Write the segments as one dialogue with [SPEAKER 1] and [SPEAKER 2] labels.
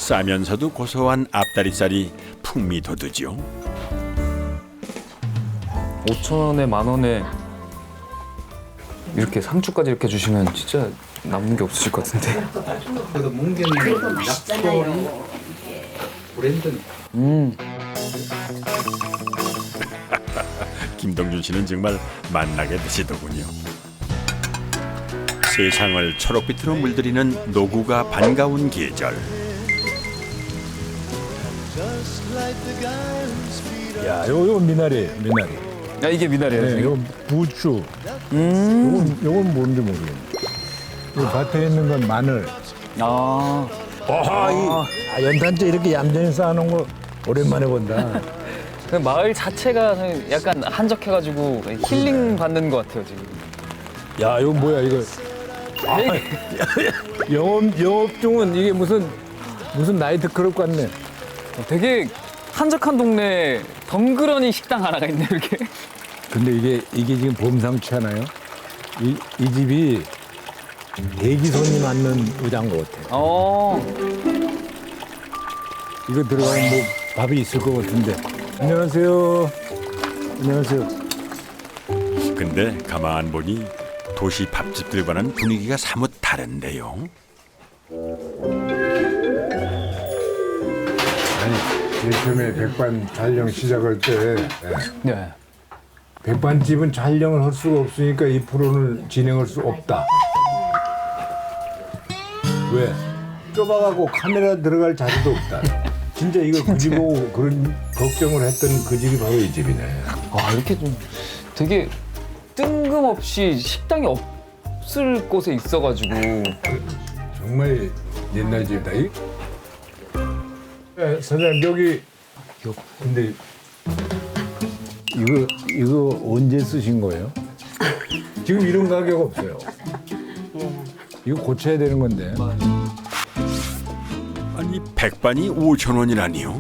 [SPEAKER 1] 싸면서도 고소한 앞다리살이 풍미 돋우죠.
[SPEAKER 2] 5,000원에 10,000원에 이렇게 상추까지 이렇게 주시면 진짜 남는 게 없으실 것 같은데.
[SPEAKER 3] 그래도 문경이
[SPEAKER 4] 그리고 맛있잖아요.
[SPEAKER 3] 브랜드.
[SPEAKER 1] 김동준 씨는 정말 맛나게 드시더군요. 세상을 초록빛으로 물들이는 노구가 반가운 계절.
[SPEAKER 5] 야, 요거 미나리.
[SPEAKER 2] 야, 이게 미나리예요,
[SPEAKER 5] 네,
[SPEAKER 2] 지금?
[SPEAKER 5] 요거 부추. 요건 뭔지 모르겠네. 이 밭에 있는 건 마늘.
[SPEAKER 2] 아,
[SPEAKER 5] 연탄재 이렇게 얌전히 쌓아놓은 거 오랜만에 본다.
[SPEAKER 2] 그 마을 자체가 약간 한적해가지고 힐링 받는 것 같아요, 지금.
[SPEAKER 5] 야, 이거 뭐야, 이거. 영업 중은 이게 무슨 나이트클럽 같네.
[SPEAKER 2] 되게 한적한 동네에 덩그러니 식당 하나가 있네, 이렇게.
[SPEAKER 5] 근데 이게 지금 범상치 않아요? 이 집이 대기 손님 앉는 의자인 것 같아. 이거 들어가면 뭐 밥이 있을 것 같은데. 안녕하세요. 안녕하세요.
[SPEAKER 1] 근데 가만 보니 도시 밥집들과는 분위기가 사뭇 다른데요.
[SPEAKER 6] 아니, 제일 처음에 백반 촬영 시작할 때
[SPEAKER 2] 네.
[SPEAKER 6] 백반집은 촬영을 할 수가 없으니까 이 프로를 진행할 수 없다. 왜? 좁아가고 카메라 들어갈 자리도 없다. 진짜 이거 그 집 보고 그런 걱정을 했던 그 집이 바로 이 집이네.
[SPEAKER 2] 아, 이렇게 좀 되게 뜬금없이 식당이 없을 곳에 있어가지고.
[SPEAKER 6] 정말 옛날 집이다. 네, 사장님 여기 근데
[SPEAKER 5] 이거 언제 쓰신 거예요?
[SPEAKER 6] 지금 이런 가격 없어요.
[SPEAKER 5] 이거 고쳐야 되는 건데.
[SPEAKER 1] 아니 백반이 5,000원이라니요?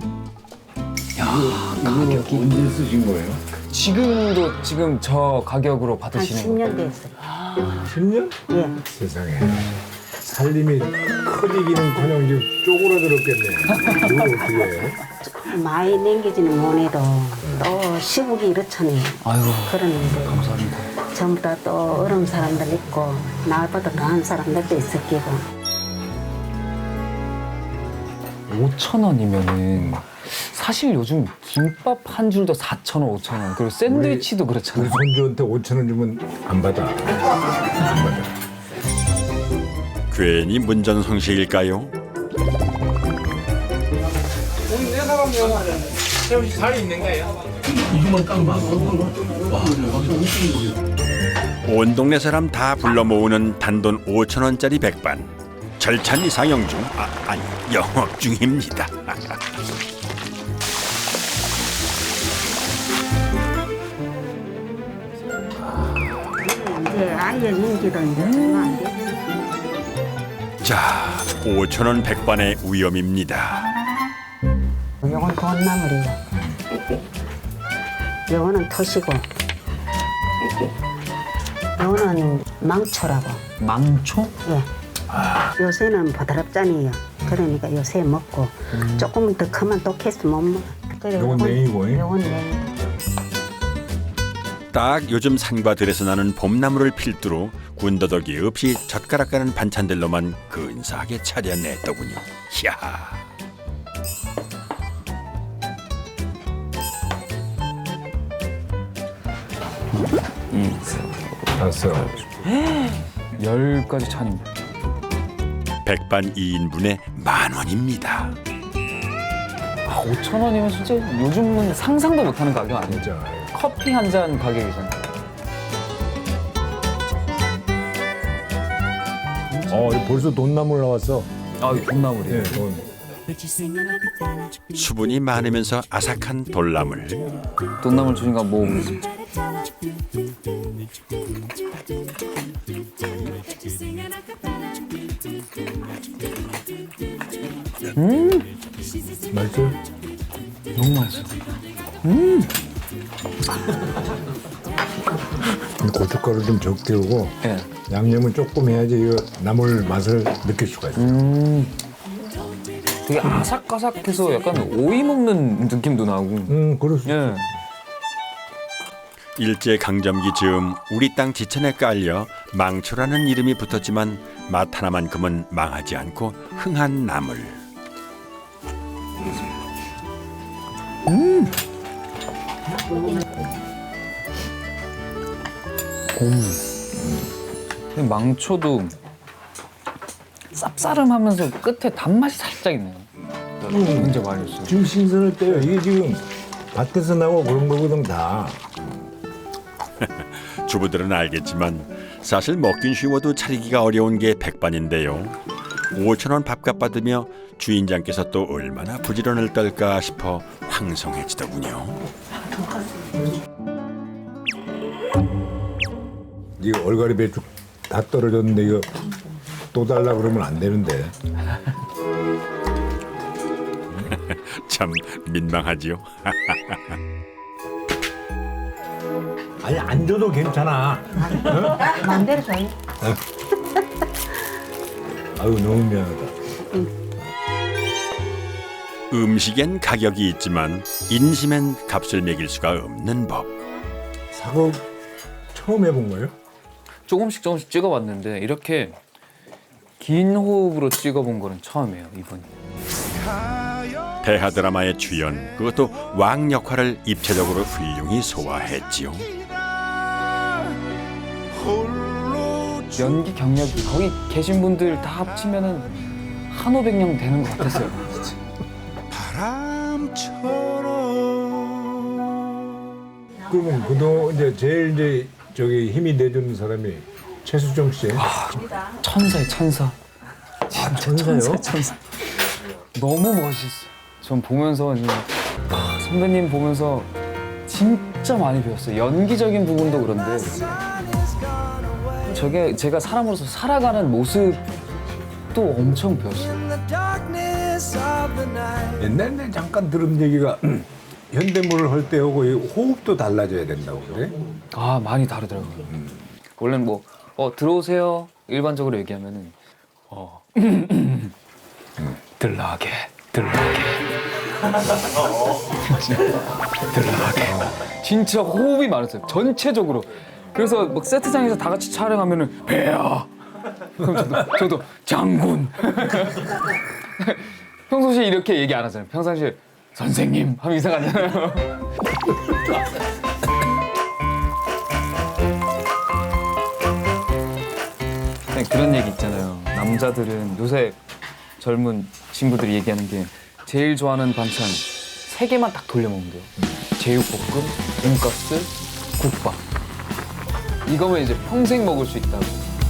[SPEAKER 5] 이거 언제 쓰신 거예요?
[SPEAKER 2] 지금도 지금 저 가격으로
[SPEAKER 4] 한
[SPEAKER 2] 받으시는 거예요?
[SPEAKER 4] 10년 됐어요.
[SPEAKER 6] 10년?
[SPEAKER 4] 예.
[SPEAKER 6] 세상에. 살림이 커지기는커녕 지금 쪼그라들었겠네. 이거 어떻게 해?
[SPEAKER 4] 많이 남기지는 못해도 또 시국이 이렇잖아요.
[SPEAKER 2] 아이고,
[SPEAKER 4] 그러는데
[SPEAKER 2] 감사합니다.
[SPEAKER 4] 전부 다 또 어려운 사람들 있고 나보다 더한 사람들도 있을 끼고.
[SPEAKER 2] 5,000원이면은 사실 요즘 김밥 한 줄도 4,000원, 5,000원. 그리고 샌드위치도
[SPEAKER 6] 우리
[SPEAKER 2] 그렇잖아요.
[SPEAKER 6] 손주한테 5천 원 주면 안 받아. 안 받아.
[SPEAKER 1] 괜히 문전성시일까요? 온 동네 사람 다 불러 모으는 단돈 5,000원짜리 백반. 절찬리 상영 중, 아니 영업 중입니다.
[SPEAKER 4] 이제 아예 인기도 이제 얼마 안 돼.
[SPEAKER 1] 자, 5,000원 백반의 위험입니다.
[SPEAKER 4] 요건 돈나물이에요. 요거는 토시고 요거는 망초라고.
[SPEAKER 2] 망초?
[SPEAKER 4] 예. 요새는 보드랍잖아요. 그러니까 요새 먹고 조금 더 크면 또 캐스 못 먹어. 그래,
[SPEAKER 6] 요건 냉이고, 잉?
[SPEAKER 4] 요건 냉이.
[SPEAKER 1] 딱 요즘 산과 들에서 나는 봄나물을 필두로 군더더기 없이 젓가락 가는 반찬들로만 근사하게 차려냈더군요. 이야.
[SPEAKER 6] 봤어.
[SPEAKER 2] 10가지 찬입니다.
[SPEAKER 1] 백반 2인분에 10,000원입니다.
[SPEAKER 2] 아, 5,000원이면 진짜 요즘은 상상도 못하는 가격 아니에요?
[SPEAKER 6] 진짜.
[SPEAKER 2] 커피 한 잔 가격이잖아요.
[SPEAKER 5] 벌써 돈나물 나왔어.
[SPEAKER 2] 아, 이 돈나물이에요.
[SPEAKER 5] 네, 돈.
[SPEAKER 1] 수분이 많으면서 아삭한 돌나물.
[SPEAKER 2] 돈나물 주니까 뭐
[SPEAKER 5] 맛있어요?
[SPEAKER 2] 너무 맛있어.
[SPEAKER 6] 고춧가루 좀 적게 오고
[SPEAKER 2] 예.
[SPEAKER 6] 양념은 조금 해야지 이거 나물 맛을 느낄 수가 있어요.
[SPEAKER 2] 되게 아삭아삭해서 약간 오이 먹는 느낌도 나고.
[SPEAKER 6] 그럴 수
[SPEAKER 2] 예.
[SPEAKER 1] 일제 강점기 즈음 우리 땅 지천에 깔려 망초라는 이름이 붙었지만 맛 하나만큼은 망하지 않고 흥한 나물.
[SPEAKER 2] 근데 망초도 쌉싸름하면서 끝에 단맛이 살짝 있네요. 굉장히 많이 있어요.
[SPEAKER 6] 지금 신선할 때요. 이게 지금 밭에서 나고 그런 거거든 다.
[SPEAKER 1] 주부들은 알겠지만 사실 먹긴 쉬워도 차리기가 어려운 게 백반인데요. 5,000원 밥값 받으며 주인장께서 또 얼마나 부지런을 떨까 싶어 황송해지더군요.
[SPEAKER 6] 이거 얼갈이 배추 다 떨어졌는데 이거 또 달라 그러면 안 되는데.
[SPEAKER 1] 참 민망하지요.
[SPEAKER 6] 아니 안 줘도 괜찮아.
[SPEAKER 4] 마음대로 줘요.
[SPEAKER 6] 아유 너무 미안하다.
[SPEAKER 1] 음식엔 가격이 있지만 인심엔 값을 매길 수가 없는 법.
[SPEAKER 6] 사과 처음 해본 거예요?
[SPEAKER 2] 조금씩 찍어봤는데 이렇게 긴 호흡으로 찍어본 거는 처음이에요, 이번이.
[SPEAKER 1] 대하 드라마의 주연, 그것도 왕 역할을 입체적으로 훌륭히 소화했지요.
[SPEAKER 2] 연기 경력이 거기 계신 분들 다 합치면은 한 500명 되는 것 같았어요.
[SPEAKER 6] 그러면 그동안 이제 제일 이제 저기 힘이 내주는 사람이 최수정 씨.
[SPEAKER 2] 천사의 천사. 진짜
[SPEAKER 6] 천사요?
[SPEAKER 2] 천사. 너무 멋있어. 전 보면서 이제 선배님 보면서 진짜 많이 배웠어요. 연기적인 부분도 그런데 저게 제가 사람으로서 살아가는 모습도 엄청 배웠어요.
[SPEAKER 6] 옛날에 잠깐 들은 얘기가 현대물을 할 때하고 이 호흡도 달라져야 된다고 그래?
[SPEAKER 2] 아, 많이 다르더라고요. 원래는 뭐 들어오세요 일반적으로 얘기하면은 들라게 진짜 호흡이 많았어요. 전체적으로. 그래서 막 세트장에서 다 같이 촬영하면은 배야. 그럼 저도 장군. 평소시에 이렇게 얘기 안 하잖아요. 평상시에 선생님 하면 이상하잖아요. 그런 얘기 있잖아요. 남자들은 요새 젊은 친구들이 얘기하는 게 제일 좋아하는 반찬 3개만 딱 돌려 먹으면 돼요. 제육볶음, 돈가스, 국밥. 이거면 이제 평생 먹을 수 있다고.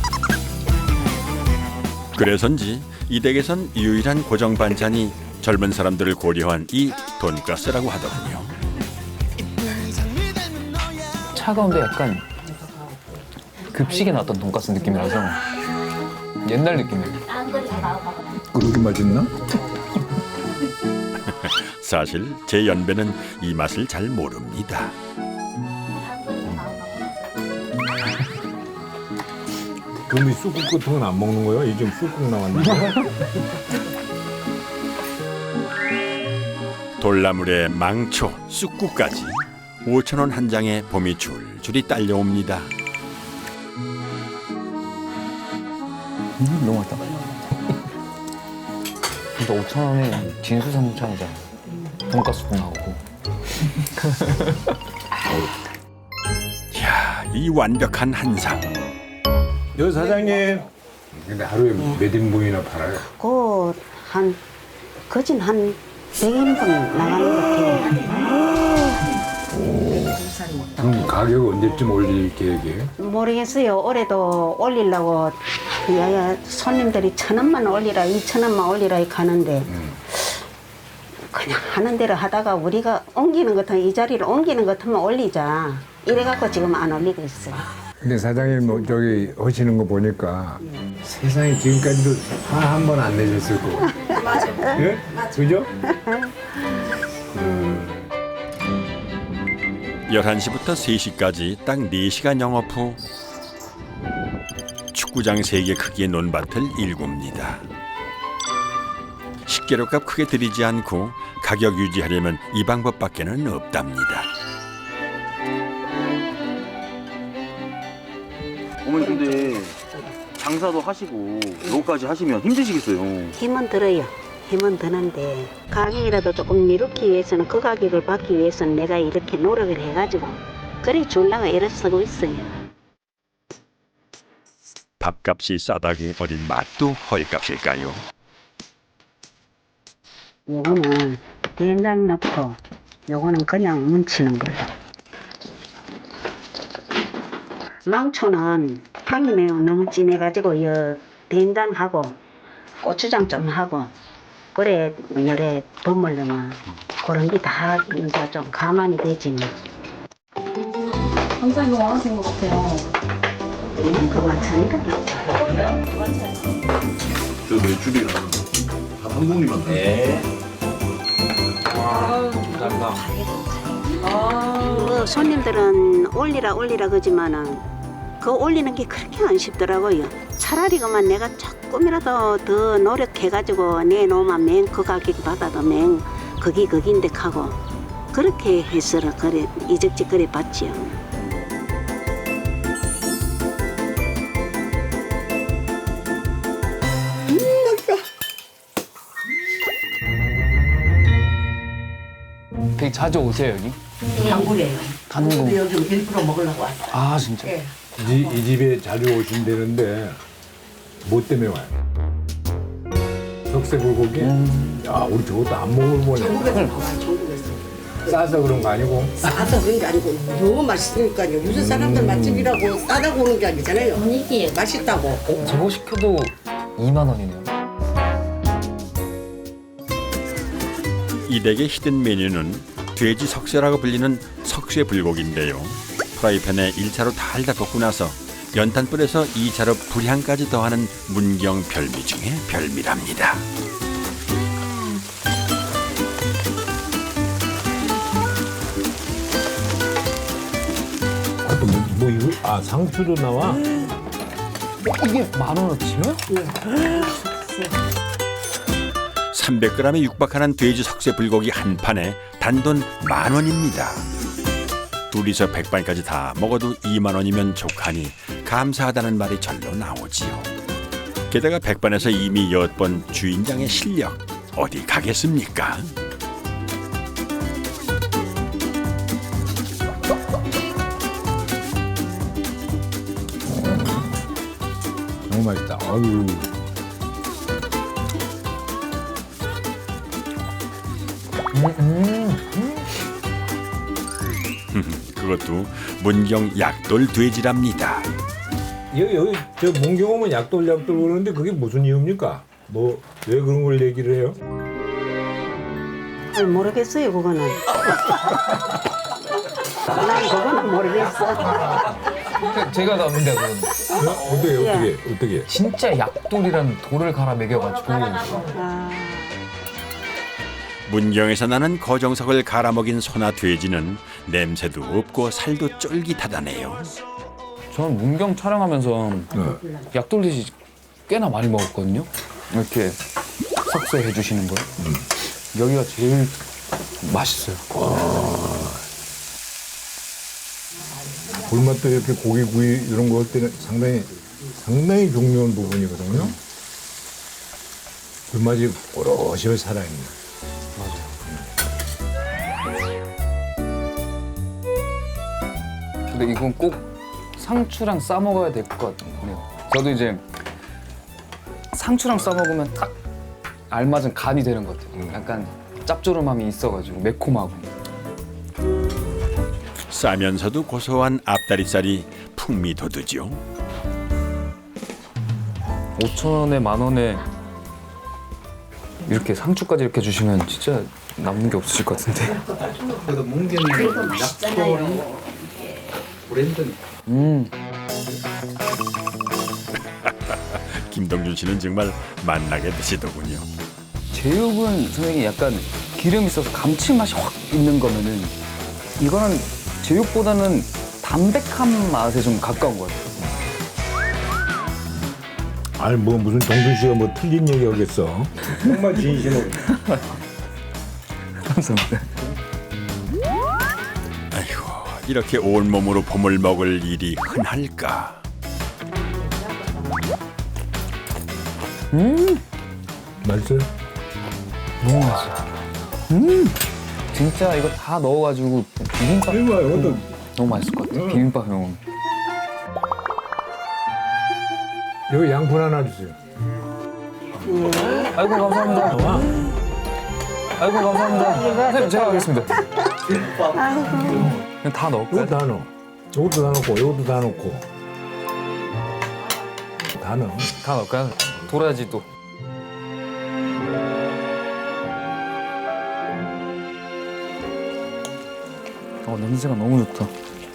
[SPEAKER 1] 그래서인지 이 댁에선 유일한 고정 반찬이 젊은 사람들을 고려한 이 돈가스라고 하더군요.
[SPEAKER 2] 차가운데 약간 급식에 나왔던 돈가스 느낌이라서 옛날 느낌이에요.
[SPEAKER 6] 그렇게 맛있나?
[SPEAKER 1] 사실 제 연배는 이 맛을 잘 모릅니다.
[SPEAKER 6] 그럼 이 쑥국 같은 건 안 먹는 거예요? 이 지금 쑥국 나왔는데.
[SPEAKER 1] 돌나물에 망초, 쑥국까지 5,000원 한 장에 봄이 줄줄이 딸려옵니다.
[SPEAKER 2] 너무 맛있다. 근데 5,000원에 진수성찬이잖아요. 돈가스도 나오고.
[SPEAKER 1] 이야, 이 완벽한 한상.
[SPEAKER 6] 여 사장님. 근데 하루에 몇 인분이나 팔아요?
[SPEAKER 4] 거진 한 100인분 나가는 것 같아요.
[SPEAKER 6] 그럼 가격 언제쯤 올릴 계획이에요?
[SPEAKER 4] 모르겠어요. 올해도 올리려고 야야 손님들이 1,000원만 올리라 2,000원만 올리라 가는데 그냥 하는 대로 하다가 우리가 옮기는 것 같으면 이 자리를 옮기는 것 같으면 올리자 이래갖고 지금 안 올리고 있어요.
[SPEAKER 6] 근데 사장님 뭐 저기 하시는 거 보니까 세상에 지금까지도 화 한 번 안 내셨을 거고. 맞아요. 예? 그죠?
[SPEAKER 1] 11시부터 3시까지 딱 4시간 영업 후 축구장 3개 크기의 논밭을 일굽니다. 식재료값 크게 들이지 않고 가격 유지하려면 이 방법밖에는 없답니다.
[SPEAKER 7] 어머니 근데 장사도 하시고 이거까지 하시면 힘드시겠어요.
[SPEAKER 4] 힘은 들어요. 힘은 드는데 가격이라도 조금 미루기 위해서는 그 가격을 받기 위해서는 내가 이렇게 노력을 해가지고 그래 주려고 애를 쓰고 있어요.
[SPEAKER 1] 밥값이 싸다기 어린 맛도 헐값일까요?
[SPEAKER 4] 요거는 된장 넣고 요거는 그냥 뭉치는 거예요. 망초는 향이 매우 너무 진해가지고 요 된장하고 고추장 좀 하고 그래 열에 버무려면 그런 게 다 이제 좀 가만히 되지 뭐.
[SPEAKER 8] 항상 이거 원하시는 것 같아요.
[SPEAKER 4] 그 마찬가지다.
[SPEAKER 7] 저 메추리가 한 봉지만
[SPEAKER 4] 뭐 손님들은 올리라 그러지만은 그 올리는 게 그렇게 안 쉽더라고요. 차라리 그만 내가 조금이라도 더 노력해가지고 내놓으면 맹 그 가격 받아도 맹 거기인데 하고 그렇게 해서 그래 이적지 그래 봤지요.
[SPEAKER 2] 되게 자주 오세요 여기?
[SPEAKER 9] 단골이에요.
[SPEAKER 2] 단골.
[SPEAKER 9] 여기 일부러 먹으려고 왔어요.
[SPEAKER 2] 아 진짜?
[SPEAKER 9] 예.
[SPEAKER 6] 이 집에 자주 오신다는데 뭐 때문에 와요? 석쇠불고기? 야 우리 저것도 안 먹어보네.
[SPEAKER 9] 전국에서 나와요. 전국에서.
[SPEAKER 6] 싸서 그런 거 아니고?
[SPEAKER 9] 싸서 그런 게 아니고 너무 맛있으니까요. 요새 사람들 맛집이라고 싸다고 오는 게 아니잖아요.
[SPEAKER 8] 분위기에
[SPEAKER 9] 맛있다고.
[SPEAKER 2] 저거 시켜도 2만 원이네요.
[SPEAKER 1] 이 댁의 히든 메뉴는 돼지 석쇠라고 불리는 석쇠 불고기인데요. 프라이팬에 1차로 달다 볶고 나서 연탄불에서 2차로 불향까지 더하는 문경 별미 중에 별미랍니다.
[SPEAKER 5] 아, 또 뭐 이거 아 상추도 나와?
[SPEAKER 2] 이게 10,000원어치요?
[SPEAKER 1] 300g에 육박하는 돼지 석쇠 불고기 한 판에 단돈 10,000원입니다. 둘이서 백반까지 다 먹어도 2만 원이면 족하니 감사하다는 말이 절로 나오지요. 게다가 백반에서 이미 8번 주인장의 실력 어디 가겠습니까?
[SPEAKER 5] 너무 맛있다. 아유.
[SPEAKER 1] 그것도 문경 약돌 돼지랍니다.
[SPEAKER 5] 여기 저 문경 오면 약돌 그러는데 그게 무슨 이유입니까? 뭐 왜 그런 걸 얘기를 해요?
[SPEAKER 4] 잘 모르겠어요 그거는. 난 그거는 모르겠어.
[SPEAKER 2] 제가 나온데 그건
[SPEAKER 5] 어떻게?
[SPEAKER 2] 진짜 약돌이라는 돌을 갈아 먹여가지고
[SPEAKER 4] 아,
[SPEAKER 1] 문경에서 나는 거정석을 갈아먹인 소나 돼지는 냄새도 없고 살도 쫄깃하다네요.
[SPEAKER 2] 저는 문경 촬영하면서 약돌 돼지 꽤나 많이 먹었거든요. 이렇게 석쇠 해주시는 거. 여기가 제일 맛있어요.
[SPEAKER 6] 불맛도 이렇게 고기구이 이런 거 할 때는 상당히 중요한 부분이거든요. 불맛이 오롯이 살아있네.
[SPEAKER 2] 근데 이건 꼭 상추랑 싸 먹어야 될 것 같네요. 저도 이제 상추랑 싸 먹으면 딱 알맞은 간이 되는 것 같아요. 약간 짭조름함이 있어가지고 매콤하고.
[SPEAKER 1] 싸면서도 고소한 앞다리살이 풍미 돋우죠.
[SPEAKER 2] 5,000원에 10,000원에 이렇게 상추까지 이렇게 주시면 진짜 남는 게 없으실 것 같은데.
[SPEAKER 3] 그래도 문경이 약돌이 브랜드니까.
[SPEAKER 1] 김동준 씨는 정말 만나게 드시더군요.
[SPEAKER 2] 제육은 선생님 약간 기름 있어서 감칠맛이 확 있는 거면은 이거는 제육보다는 담백한 맛에 좀 가까운 것 같아요.
[SPEAKER 5] 아니 뭐 무슨 정준 씨가 뭐 틀린 얘기 하겠어.
[SPEAKER 6] 정말 진심으로.
[SPEAKER 2] 감사합니다.
[SPEAKER 1] 아이고 이렇게 온몸으로 봄을 먹을 일이 흔할까.
[SPEAKER 5] 맛있어요?
[SPEAKER 2] 너무 맛있어. 진짜 이거 다 넣어가지고 비빔밥
[SPEAKER 6] 이거요.
[SPEAKER 2] 너무 맛있을 것 같아. 비빔밥 형.
[SPEAKER 5] 여기 양푼 하나 주세요.
[SPEAKER 2] 아이고 감사합니다. 아이고 감사합니다. 선생님 제가 하겠습니다. 그냥 다 넣을까요?
[SPEAKER 5] 이거 다 넣어. 이것도 다 넣고, 이것도 다 넣고. 다 넣어.
[SPEAKER 2] 다 넣을까요? 도라지도. 냄새가 너무 좋다.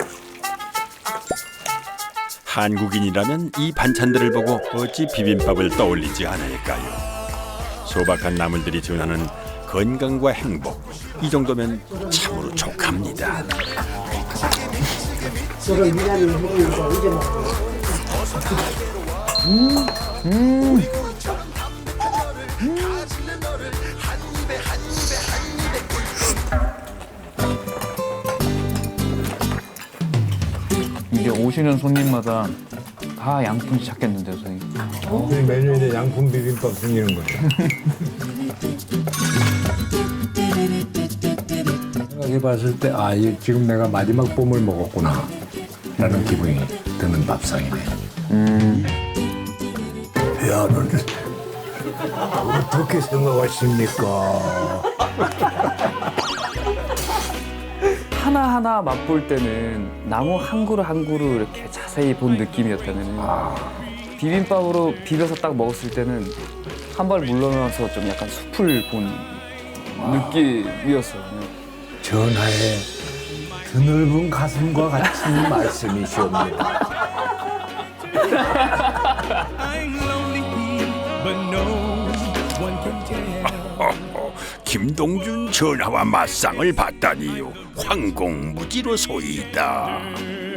[SPEAKER 1] 한국인이라면 이 반찬들을 보고 어찌 비빔밥을 떠올리지 않을까요? 소박한 나물들이 전하는 건강과 행복, 이 정도면 참으로 족합니다.
[SPEAKER 9] 저런 미나리 먹으면서 이제 먹고.
[SPEAKER 2] 이게 오시는 손님마다 다 양푼씩 찾겠는데요, 선생님.
[SPEAKER 5] 우리 메뉴에 양푼 비빔밥 생기는 거죠. 생각해봤을 때, 아, 지금 내가 마지막 봄을 먹었구나. 라는 기분이 드는 밥상이네. 야, 너는 어떻게 생각하십니까?
[SPEAKER 2] 하나하나 맛볼 때는 나무 한 그루 한 그루 이렇게 자세히 본 느낌이었다면 비빔밥으로 비벼서 딱 먹었을 때는 한 발 물러나서 좀 약간 숲을 본 느낌이었어요.
[SPEAKER 5] 전하의 드넓은 가슴과 같은 말씀이시옵니다.
[SPEAKER 1] 김동준 전하와 맞상을 봤다니요. 황공무지로 소이다.